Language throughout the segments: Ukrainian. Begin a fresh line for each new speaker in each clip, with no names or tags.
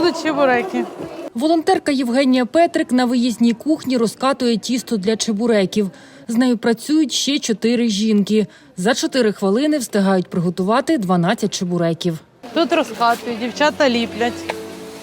будуть чебуреки.
Волонтерка Євгенія Петрик на виїзній кухні розкатує тісто для чебуреків. З нею працюють ще 4 жінки. За 4 хвилини встигають приготувати 12 чебуреків.
Тут розкатують, дівчата ліплять.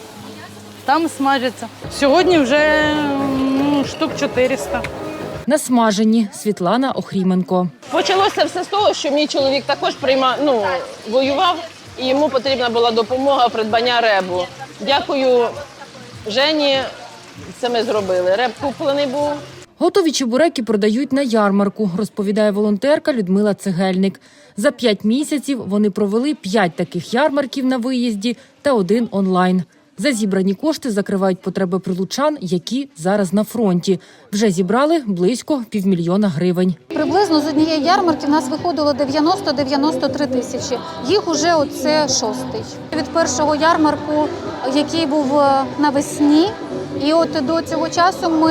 Там смажаться. Сьогодні вже штук 400.
Насмажені. Світлана Охріменко.
Почалося все з того, що мій чоловік також воював, і йому потрібна була допомога придбання ребу. Дякую Жені, це ми зробили. Реб куплений був.
Готові чебуреки продають на ярмарку, розповідає волонтерка Людмила Цегельник. За 5 місяців вони провели 5 таких ярмарків на виїзді та 1 онлайн. За зібрані кошти закривають потреби прилучан, які зараз на фронті. Вже зібрали близько 500 000 гривень.
Приблизно з однієї ярмарки в нас виходило 90-93 тисячі. Їх уже оце 6-й. Від першого ярмарку, який був навесні, і от до цього часу ми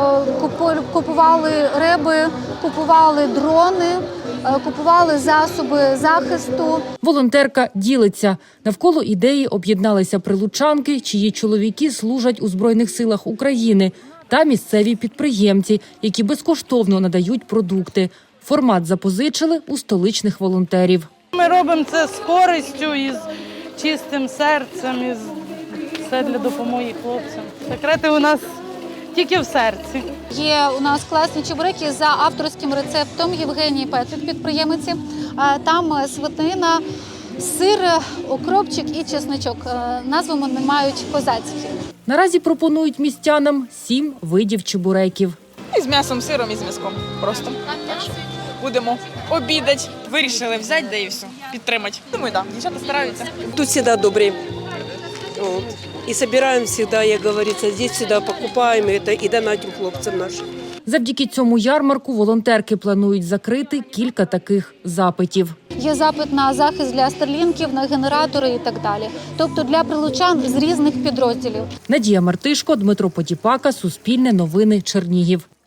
купували реби, купували дрони, купували засоби захисту.
Волонтерка ділиться. Навколо ідеї об'єдналися прилучанки, чиї чоловіки служать у Збройних силах України, та місцеві підприємці, які безкоштовно надають продукти. Формат запозичили у столичних волонтерів.
Ми робимо це з користю і з чистим серцем, і все для допомоги хлопцям. Секрети у нас тільки в серці.
Є у нас класні чебуреки за авторським рецептом Євгенії Петрик, підприємиці. Там свинина, сир, укропчик і чесничок. Назву вони мають козацькі.
Наразі пропонують містянам 7 видів чебуреків.
І з м'ясом, сиром і з м'язком. Просто. Так що будемо обідати. Вирішили взяти, да і все. Підтримати. Думаю, так. Дівчата стараються.
Тут всегда добрые. Вот. И собираем всегда, як говорится, здесь всегда покупаем это и донатим хлопцам нашим.
Завдяки цьому ярмарку волонтерки планують закрити кілька таких запитів.
Є запит на захист для старлінків, на генератори і так далі. Тобто для прилучан з різних підрозділів.
Надія Мартишко, Дмитро Потіпака, Суспільне новини, Чернігів.